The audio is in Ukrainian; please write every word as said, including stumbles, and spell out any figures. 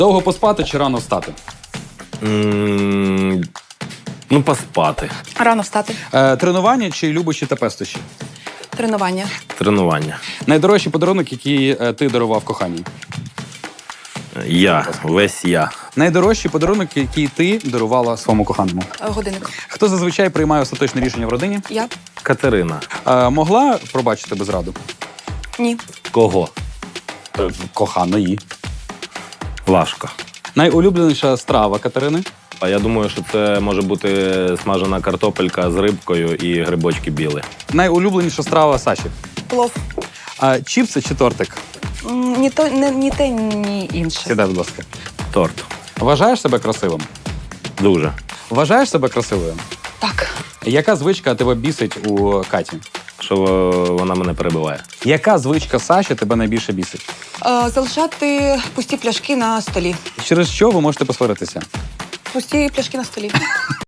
Довго поспати чи рано встати? М, Ну, поспати. Рано встати. Е, тренування чи любощі та пестощі? Тренування. Тренування. Найдорожчий подарунок, який е, ти дарував коханій? Я. Весь я. Найдорожчий подарунок, який ти дарувала своєму коханому? Е, Годинник. Хто зазвичай приймає остаточне рішення в родині? Я? Катерина. Е, могла пробачити без раду? Ні. Кого? Е, коханої. Важко. Найулюбленіша страва Катерини? А я думаю, що це може бути смажена картопелька з рибкою і грибочки білі. Найулюбленіша страва Саші? Плов. Е, чіпси чи тортик? М, Ні, то, не, ні те, ні інше. Сідай, будь ласка. Торт. Вважаєш себе красивим? Дуже. Вважаєш себе красивою? Так. Яка звичка тебе бісить у Каті? Що е, вона мене перебиває. Яка звичка Саші тебе найбільше бісить? Е, залишати пусті пляшки на столі. Через що ви можете посваритися? Пусті пляшки на столі.